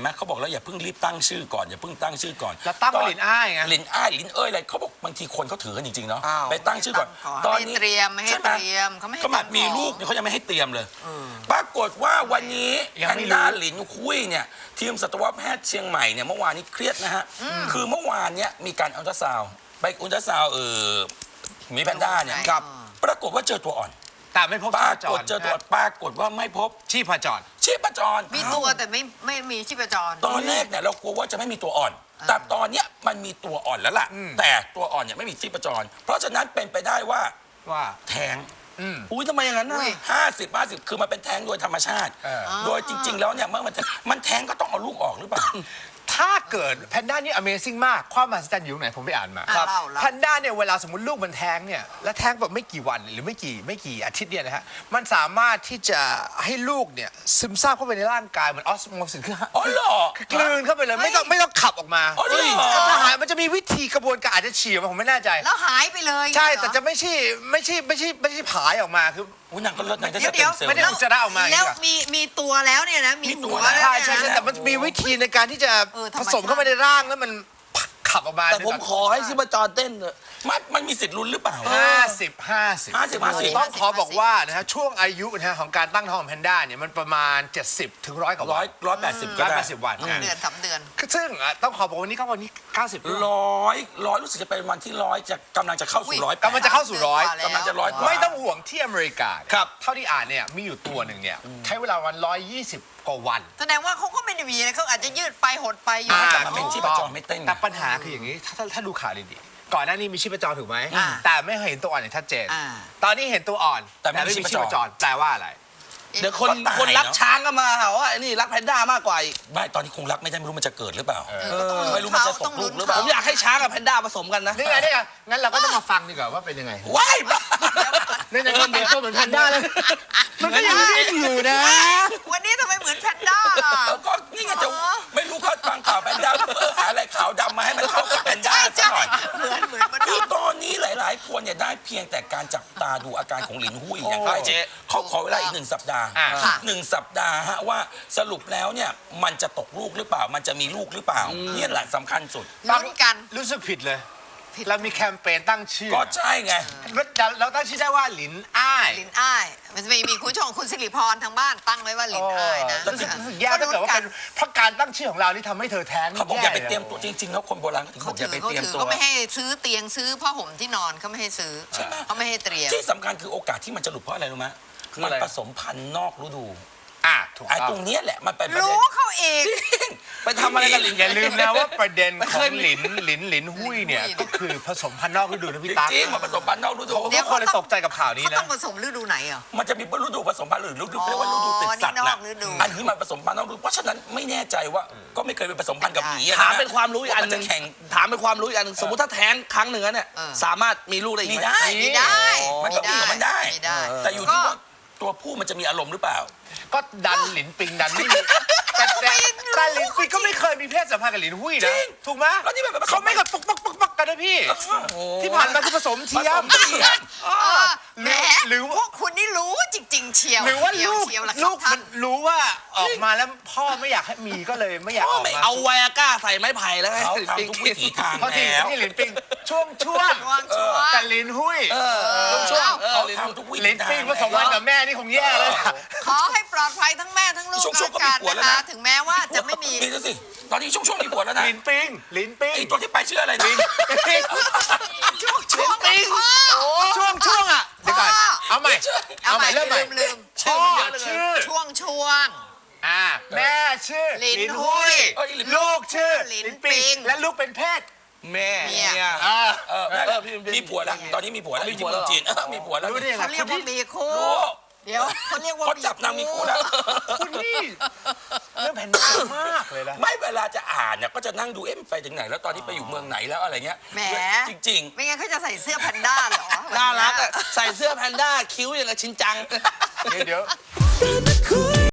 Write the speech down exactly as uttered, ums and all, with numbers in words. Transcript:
ไหมเขาบอกแล้วอย่าเพิ่งรีบตั้งชื่อก่อนอย่าเพิ่งตั้งชื่อก่อนแล้วตั้งว่าหลินอ้ายไงหลินอ้ายหลินเอ้ยอะไรเขาบอกบางทีคนเขาถือกันจริงๆเนาะอ้าวไปตั้งชื่อก่อนตอนนี้เตรียมไม่ให้เตรียมเขาไม่ให้ขนาดมีตั้งของลูกเนี่ยเขายังไม่ให้เตรียมเลยปรากฏว่าวันนี้ยังแพไม่นรู้ด้าหลินคุยเนี่ยทีมสัตวแพทย์เชียงใหม่เนี่ยเมื่อวานนี้เครียดนะฮะคือเมื่อวานเนี่ยมีการอัลตราซาวด์ไปอัลตราซาวด์เออหมีแพนด้าเนี่ยครับปรากฏว่าเจอตัวอ่อนแต่ไม่พบปชีราพจกฏรเจอตัวอ่อนปรากฏว่าไม่พบชีพจรชีพจรมีตัวแต่ไม่ไม่มีชีพจรตอนแรกเนี่ยเรากลัวว่าจะไม่มีตัวอ่อน แต่ตอนเนี้ยมันมีตัวอ่อนแล้วล่ะ แต่ตัวอ่อนเนี่ยไม่มีชีพจร เพราะฉะนั้นเป็นไปได้ว่าว่าแท้งอุ้ยทำไมอย่างนั้นน่ะอุ้ยห้าสิบห้าสิบคือมันเป็นแท้งโดยธรรมชาติเออโดยจริง ๆ แล้วเนี่ยเมื่อมันแท้งมันแท้งก็ต้องเอาลูกออกหรือเปล่าถ้าเกิดแพนด้านี่ Amazing มากความมหัศจรรย์อยู่ตรงไหนผมไปอ่านมาอ่ะเล่าเล่าแพนด้าเนี่ยเวลาสมมติลูกมันแท้งเนี่ยและแท้งแบบไม่กี่วันหรือไม่กี่ไม่กี่อาทิตย์เนี่ยนะฮะมันสามารถที่จะให้ลูกเนี่ยซึมซาบเข้าไปในร่างกายเหมือนออสโมซิสคืออ๋อเหรอกลืนเข้าไปเลยไม่ต้องไม่ต้องขับออกมาอ๋อเหรอเฮ้ยทหารมันจะมีวิธีกระบวนการอาจจะฉี่ออกมาผมไม่แน่ใจแล้วหายไปเลยใช่เหรอแต่จะไม่ใช่ไม่ใช่ไม่ใช่ไม่ใช่ผายออกมาคืออุ้ยนางก็เลิศนางได้เดี๋สยวเต็เดี๋ยวมเซลล์ไม่ได้นะอุจจาระออกมาอย่างนี้แล้วเหรอมีมีตัวแล้วเนี่ยนะมีมีตัหัววแล้วแล้วใช่เนี่ยใช่ใช่นะแต่มันมีวิธีในการที่จะเออธรผรมชาติสมเข้าไปในร่างแล้วมันขับออกมาแต่ผมขอให้ชิบจรเต้นเถอะมันมันมีสิทธิ์ลุ้นหรือเปล่าห้าสิบห้าสิบห้าสิบห้าสิบต้องขอบอกว่านะฮะช่วงอายุนะฮะของการตั้งท้องของแพนด้าเนี่ยมันประมาณ เจ็ดสิบถึงร้อยกว่าร้วัอน ยร้อยแปดสิบก็ร้อยได้แปดสิบวันสองเดือนสามเดือนคือซึ่งอ่ะต้องขอบอกวันนี้เขาวันนี้เก้าสิบแล้วร้อยร้อยรู้สึกจะเป็นวันที่ร้อยจะกำลังจะเข้าสู่ร้อยกำลังจะเข้าสู่ร้อยกำลังจะร้อยกว่าไม่ต้องห่วงที่อเมริกาครับเท่าที่อ่านเนี่ยมีอยู่ตัวหนึ่งเนี่ยใช้เวลาวันร้อยยี่สิบกว่าวันแสดงว่าเขาก็ไม่ได้มีอะไรเขาอาจจะยืดไปหดไปอยู่อ่าแต่มันเป็นชีพจรไม่เต้นไงแต่ปัญหาคืออย่างนี้ ถ้าถ้าถ้าดูข่าวดีๆก่อนหน้านี้มีชีพจรถูกไหมอ่าแต่ไม่เคยเห็นตัวอ่อนอย่างชัดเจนอ่าตอนนี้เห็นตัวอ่อนแต่ไม่มีชีพจรแปลว่าอะไรเดี๋ยวคนก็ตายคนรักเนอะช้างก็มาหาว่าไอ้นี่รักแพนด้ามากกว่าอีกไม่ตอนนี้คงรักไม่ได้ไม่รู้มันจะเกิดหรือเปล่าเออก็ต้องลุ้นไม่รู้มันจะตต้กองลูลุ้กนหรือเปล่าผมอยากให้ช้างกับแพนด้าผสมกันนะนี่ไงนี่ไงงั้นเราก็ต้องมาฟังดีกว่าว่าเป็นยังไงว้ายบ้าในในก็เป็นตัวเหมือนแพนด้าเลยมันก็ยังดิ้นอยู่นะวันนี้ทำไมเหมือนแพนด้าล่ะแล้วก็นี่ไงจะไม่รู้เขาฟังข่าวแพนด้าเออหาอะไรขาวดำมาให้มันเข้ากับแพนด้าซะหน่อยเหมือนเหมือนมันคือตอนนี้หลาย ๆ คนเนี่ยได้เพียงแต่การจับตาดูอาการของหลินหุ้ยอย่างใกล้ชิดเขาขอเวลาอีกหนึ่งสัปดาห์อ่าหนึ่งสัปดาห์ฮะว่าสรุปแล้วเนี่ยมันจะตกลูกหรือเปล่า มันจะมีลูกหรือเปล่าเนี่ยแหละสำคัญสุดลุ้นกันรู้สึกผิดเลย เรามีแคมเปญตั้งชื่อก็ใช่ไงเราตั้งชื่อได้ว่าหลินอ้ายลินอ้ายมันจะมีมีคุณผู้ชมคุณสิริพรทางบ้านตั้งไว้ว่าลินอ้ายนะรู้สึกรู้สึกแย่ถ้าเกิดว่าเป็นเพราะการตั้งชื่อของเรานี่ทำให้เธอแท้งเขาบอกอย่าไปลเตรียมตัวจริง ๆ แล้วคนโบราณเขาถึงบเขาอกอถืย่าอไปเขาเตรียมถือตัวเขาไม่ให้ซื้อเตียงซื้อผ้าห่มที่นอนเขาไม่ให้ซื้อเขาไม่ให้เตรียมที่สำคัญคือโอกาสที่มันจะหลุดเพราะอะไรรู้ไหมคือมัอะไรผสมพันธุ์นอกฤดูอ่ะถูกไอ้ต้องตรงเนี้ยแหละมันเป็นประเด็รู้นเขาเองไปทำอะไรกันหลินอย่าลืมนะว่าประเด็นไม่ขเคอย งหลินหลินหลินหุ้ยเนี่ยหลินหุ้ยก็คือผสมพันธุ์นอกฤดูนะพี่ตั๊กจริงๆมันผสมพันธุ์นอกฤดูทุกคนเลยตกใจกับข่าวนี้เขานะต้องผสมฤดูไหนอ่ะมันจะมีฤดูผสมพันธุ์หรือฤดูเรียกว่าฤดูติดสัตว์อ๋อนี่นนะอกฤดูอันนี้มันผสมพันธุ์นอกฤดูเพราะฉะนั้นไม่แน่ใจว่าก็ไม่เคยไปผสมพันธุ์กับหมีอะะถามเป็นความรู้อีกอันหนึ่งว่ามัจะแข่งถามเป็นความรู้อีกอันหนึ่งสมมติถ้าแท้งครั้งหนึ่งแล้วเนี่ยเออสามารถมีลูกได้อีกมีไหมได้มีได้มันก็มีของมันได้มีได้แต่อยู่ที่ว่าตัวผู้มันจะมีอารมณ์หรือเปล่าก็ดันหลินปิงดันไม่มีแต่แต่แต่หลินปิงก็ไม่เคยมีเพศสัมพันธ์กับหลินหุ้ยจรินะงถูกไหมแล้วนี่แบบเขาไม่กับปักปักปักปักกันนะพี่ ที่ผ่านมาคือผสมผเทียสมมเทียมเออแหมหรือพวกคุณนี่รู้จริง ๆ เชียวหรือว่าเชียลูกเชียวล่ะคลูรับกท่ามัน นรู้ว่าออกมาแล้วพ่อไม่อยากให้มีก็เลยไม่อยากออกมาเอาไวอาก้าใส่ไม้ไผ่แล้วให้เขาหลินปิงทำทุกวิถีทางเพราะที่แล้วที่หลินปิงช่วงช่วงช่วงช่วงแต่หลินหุ้ยเออช่วงเออเขาหลินทำทุกวิหลิถีนทางปิงผสมพันธุ์กับแม่นี่คงแย่เลยอะขอให้ปลอดภัยทั้งแม่ทั้งลูกช่วงๆก็แล้วมีกันผัวแล้วนะนะคะถึงแม้ว่าจะไม่มีมีแล้วสิตอนนี้ช่วงๆมีผัวแล้วนะหลินปิงหลินปิงไอ้ตัวที่ไปชื่ออะไรนะช่วงช่วงปิงพ่อช่วงช่วงอ่ะเดี๋ยวก่อนเอาใหม่เอาเอาใหใหม่ม่เริ่มใหม่ลืมลืมพ่อชื่อช่วงช่วงอ่าแม่ชื่อหลินหุ้ยเอ้ยหลินลูกชื่อหลินหลินปิงปิงและลูกเป็นเพศแม่เมียเมียอ่าเออเออพี่พี่มีผัวแล้วตอนนี้มีผัวแล้วมีอยู่ผัที่วเมืแล้องวเหรอจีนเออมีผัวแล้วรู้ได้ยังไงเขาเรียกว่ามีคู่รู้เดี๋ยวเขาเรียกว่าเขาจับนางมีคู่แล้วคุณนี่เรื่องแผ่นดินมากเลยนะไม่เวลาจะอ่านเนี่ยก็จะนั่งดูเอ๊ะมันไปถึงไหนแล้วตอนนี้ไปอยู่เมืองไหนแล้วอะไรเงี้ยแหมจริงไม่งั้นเขาจะใส่เสื้อแพนด้าเหรอน่ารักอะใส่เสื้อแพนด้าคิ้วอย่างกับชินจังเดี๋ยวเดี๋ยว